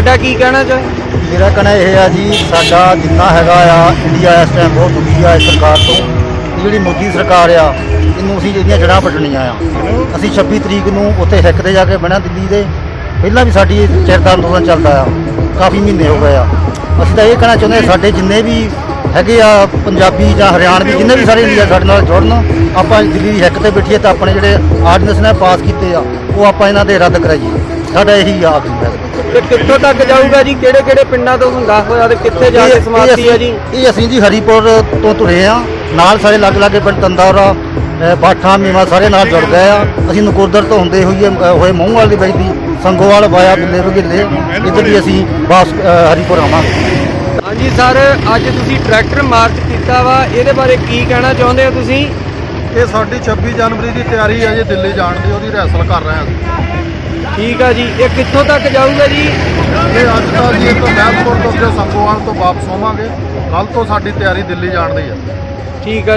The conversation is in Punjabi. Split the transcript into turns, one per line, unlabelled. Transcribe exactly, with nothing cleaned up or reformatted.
ਤੁਹਾਡਾ ਕੀ ਕਹਿਣਾ ਚਾਹੇ?
मेरा कहना यह है जी साडा जिन्ना हैगा आ इंडिया इस टाइम बहुत दुखी आ इस सरकार तो ਜਿਹੜੀ ਮੋਦੀ ਸਰਕਾਰ ਆ ਇਹਨੂੰ ਅਸੀਂ ਜਿਹੜੀਆਂ ਜੜ੍ਹਾਂ ਪੱਟਣੀਆਂ ਆ। ਅਸੀਂ ਛੱਬੀ ਤਰੀਕ ਨੂੰ ਉੱਥੇ ਹਿੱਕ ਤੇ ਜਾ ਕੇ ਬਹਿਣਾ ਦਿੱਲੀ ਦੇ। ਪਹਿਲਾਂ ਵੀ ਸਾਡੀ ਚਿਰ ਦਾ ਅੰਦੋਲਨ ਚੱਲਦਾ ਆ, ਕਾਫੀ ਮਹੀਨੇ ਹੋ ਗਏ ਆ। ਅਸੀਂ ਤਾਂ ਇਹ ਕਹਿਣਾ ਚਾਹੁੰਦੇ ਹਾਂ ਸਾਡੇ ਜਿੰਨੇ ਵੀ ਹੈਗੇ ਆ ਪੰਜਾਬੀ ਜਾਂ ਹਰਿਆਣਵੀ ਜਿੰਨੇ ਵੀ ਸਾਰੇ ਇੰਡੀਆ ਸਾਡੇ ਨਾਲ ਜੁੜਨ, ਆਪਾਂ ਦਿੱਲੀ ਦੀ ਹਿੱਕ ਤੇ ਬੈਠੀਏ ਤਾਂ ਆਪਣੇ ਜਿਹੜੇ ਆਰਡੀਨੈਂਸ ਨੇ ਪਾਸ ਕੀਤੇ ਆ ਉਹ ਆਪਾਂ ਇਹਨਾਂ ਦੇ ਰੱਦ ਕਰਾਈਏ। ਸਾਡਾ ਇਹੀ ਆਖਰੀ ਹੈ।
ਤੇ ਕਿੱਥੋਂ ਤੱਕ ਜਾਊਗਾ ਜੀ? ਕਿਹੜੇ ਕਿਹੜੇ ਪਿੰਡਾਂ ਤੋਂ ਹੁੰਦਾ ਹੋਇਆ ਤੇ ਕਿੱਥੇ ਜਾ ਕੇ ਸਮਾਪਤੀ ਹੈ ਜੀ?
ਇਹ ਅਸੀਂ ਜੀ ਹਰੀਪੁਰ ਤੋਂ ਤੁਰੇ ਆ, ਨਾਲ ਸਾਰੇ ਲੱਗ ਲਾਗੇ ਪਿੰਡ ਤੰਦੌਰਾ, ਬਾਠਾ, ਮੀਵਾ ਸਾਰੇ ਨਾਲ ਜੁੜ ਗਏ ਆ। ਅਸੀਂ ਨਕੋਦਰ ਤੋਂ ਹੁੰਦੇ ਹੋਈਏ ਹੋਏ ਮੂੰਹਵਾਲ ਦੀ ਬੈਠਦੀ ਸੰਗੋਵਾਲ ਵਾਇਆ ਬਿੱਲੇ ਬਗਿੱਲੇ ਇੱਧਰ ਵੀ ਅਸੀਂ ਵਾਪਸ ਹਰੀਪੁਰ ਆਵਾਂਗੇ।
ਹਾਂਜੀ ਸਰ, ਅੱਜ ਤੁਸੀਂ ਟਰੈਕਟਰ ਮਾਰਚ ਕੀਤਾ ਵਾ, ਇਹਦੇ ਬਾਰੇ ਕੀ ਕਹਿਣਾ ਚਾਹੁੰਦੇ ਹੋ ਤੁਸੀਂ?
ਇਹ ਸਾਡੀ ਛੱਬੀ ਜਨਵਰੀ ਦੀ ਤਿਆਰੀ ਹੈ ਜੀ ਦਿੱਲੀ ਜਾਣ ਦੀ, ਉਹਦੀ ਰਿਹਰਸਲ ਕਰ ਰਹੇ ਹਾਂ।
ਠੀਕ ਆ ਜੀ। ਇਹ ਕਿੱਥੋਂ ਤੱਕ ਜਾਊਗਾ ਜੀ?
ਇਹ ਅੱਜ ਕੱਲ੍ਹ ਜੀ ਤੋਂ ਮਹਿਲਪੁਰ ਤੋਂ ਅੱਗੇ ਸੰਗੋਵਾਲ ਤੋਂ ਵਾਪਸ ਹੋਵਾਂਗੇ। ਕੱਲ੍ਹ ਤੋਂ ਸਾਡੀ ਤਿਆਰੀ ਦਿੱਲੀ ਜਾਣ ਦੀ ਹੈ।
ਠੀਕ ਆ।